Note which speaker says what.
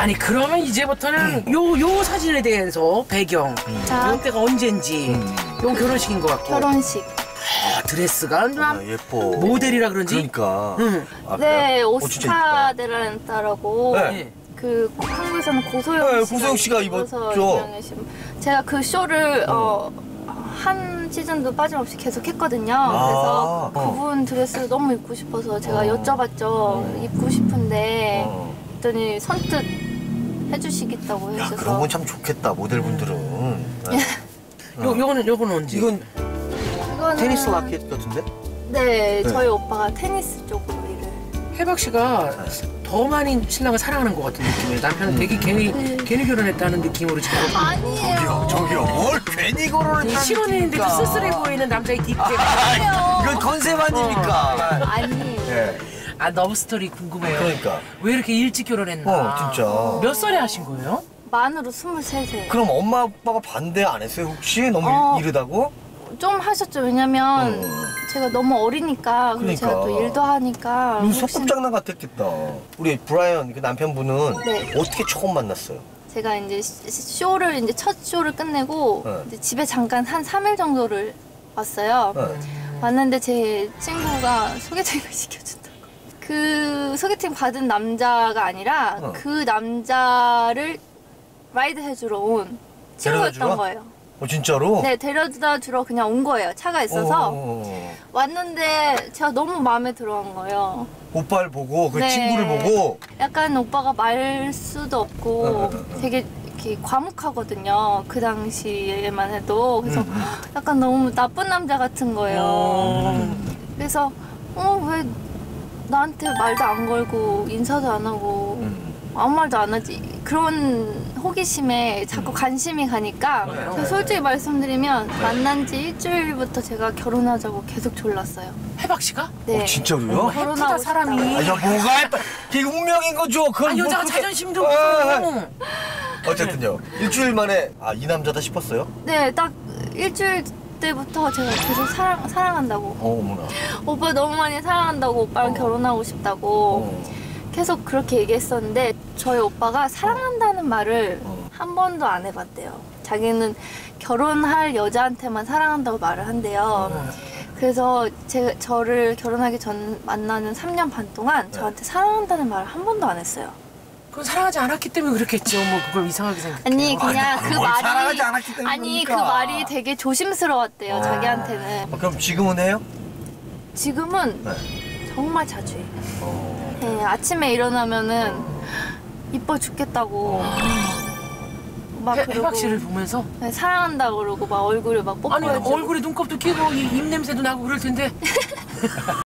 Speaker 1: 아니 그러면 이제부터는 요 사진에 대해서 배경 이때가 언젠지 요 결혼식인 것 같고
Speaker 2: 결혼식.
Speaker 1: 아, 드레스가
Speaker 3: 예뻐.
Speaker 1: 모델이라 그런지.
Speaker 3: 그러니까.
Speaker 1: 아,
Speaker 2: 네, 오스카 데란타라고.
Speaker 3: 네.
Speaker 2: 그 한국에서는 고소영 씨가,
Speaker 3: 고소영 씨가 입었죠.
Speaker 2: 제가 그 쇼를 한 시즌도 빠짐없이 계속 했거든요. 그래서 그분 드레스를 너무 입고 싶어서 제가 여쭤봤죠. 입고 싶은데 그랬더니 선뜻 해주시겠다고
Speaker 3: 야,
Speaker 2: 해주셔서.
Speaker 3: 그런 건 참 좋겠다, 모델분들은.
Speaker 1: 요거는 언제?
Speaker 3: 이건
Speaker 2: 이거는
Speaker 3: 테니스 라켓 같은데?
Speaker 2: 네, 저희 오빠가 테니스 쪽으로 일을.
Speaker 1: 혜박 씨가 더 많이 신랑을 사랑하는 것 같은 느낌이에요. 남편은 되게 괜히 결혼했다는 느낌으로 지금.
Speaker 2: 아니에요.
Speaker 3: 저기요, 뭘 괜히 결혼을 했다는
Speaker 1: 신혼인데도
Speaker 3: 느낌입니까?
Speaker 1: 쓸쓸해 보이는 남자의 뒷배.
Speaker 3: 이건 컨셉 아닙니까?
Speaker 2: 아니에요.
Speaker 3: 네.
Speaker 1: 아, 러브 스토리 궁금해요.
Speaker 3: 그러니까.
Speaker 1: 왜 이렇게 일찍 결혼했나?
Speaker 3: 진짜.
Speaker 1: 몇 살에 하신 거예요?
Speaker 2: 만으로 23세.
Speaker 3: 그럼 엄마 아빠가 반대 안 했어요, 혹시? 너무 이르다고?
Speaker 2: 좀 하셨죠. 왜냐면 제가 너무 어리니까. 그리고 제가 또 일도 하니까.
Speaker 3: 소꿉장난 같았겠다. 우리 브라이언 그 남편분은
Speaker 2: 네.
Speaker 3: 어떻게 처음 만났어요?
Speaker 2: 제가 이제 쇼를 이제 첫 쇼를 끝내고 이제 집에 잠깐 한 3일 정도를 왔어요. 왔는데 제 친구가 소개팅을 시켜준다고. 그 소개팅 받은 남자가 아니라 그 남자를 라이드 해주러 온 친구였던 거예요.
Speaker 3: 진짜로?
Speaker 2: 네, 데려다 주러 그냥 온 거예요. 차가 있어서. 왔는데 제가 너무 마음에 들어한 거예요.
Speaker 3: 오빠를 보고 그
Speaker 2: 네.
Speaker 3: 친구를 보고
Speaker 2: 약간 오빠가 말수도 없고 되게 이렇게 과묵하거든요. 그 당시에만 해도. 그래서 약간 너무 나쁜 남자 같은 거예요. 그래서 왜 나한테 말도 안 걸고 인사도 안 하고 아무 말도 안 하지. 그런 호기심에 자꾸 관심이 가니까 제가 솔직히 말씀드리면 만난 지 일주일부터 제가 결혼하자고 계속 졸랐어요.
Speaker 1: 혜박 씨가?
Speaker 2: 네.
Speaker 3: 진짜로요?
Speaker 2: 결혼하고
Speaker 1: 사람이.
Speaker 2: 싶다고.
Speaker 3: 뭐가 예뻐? 그게 운명인 거죠. 그건
Speaker 1: 여자가
Speaker 3: 그렇게-
Speaker 1: 자존심도 없어.
Speaker 3: 어쨌든요. 일주일 만에 이 남자다 싶었어요?
Speaker 2: 네, 딱 일주일 때부터 제가 계속 사랑한다고.
Speaker 3: 어머나.
Speaker 2: 오빠 너무 많이 사랑한다고, 오빠랑 결혼하고 싶다고 계속 그렇게 얘기했었는데 저희 오빠가 사랑한다는 말을 한 번도 안 해봤대요. 자기는 결혼할 여자한테만 사랑한다고 말을 한대요. 그래서 저를 결혼하기 전 만나는 3년 반 동안 저한테 사랑한다는 말을 한 번도 안 했어요.
Speaker 1: 그건 사랑하지 않았기 때문에 그렇겠죠. 뭐 그걸 이상하게 생각해.
Speaker 2: 아니 그냥 그
Speaker 3: 뭘
Speaker 2: 말이
Speaker 3: 사랑하지 않았기 때문에
Speaker 2: 아니 그
Speaker 3: 그러니까.
Speaker 2: 말이 되게 조심스러웠대요. 자기한테는.
Speaker 3: 그럼 지금은 해요?
Speaker 2: 지금은 정말 자주 해요. 네, 아침에 일어나면은 이뻐 죽겠다고 막 그러고
Speaker 1: 혜박 씨를 보면서
Speaker 2: 네, 사랑한다고 그러고 막 얼굴에 막
Speaker 1: 아니
Speaker 2: 뽀뽀해주고
Speaker 1: 얼굴에 눈곱도 끼고 입 냄새도 나고 그럴 텐데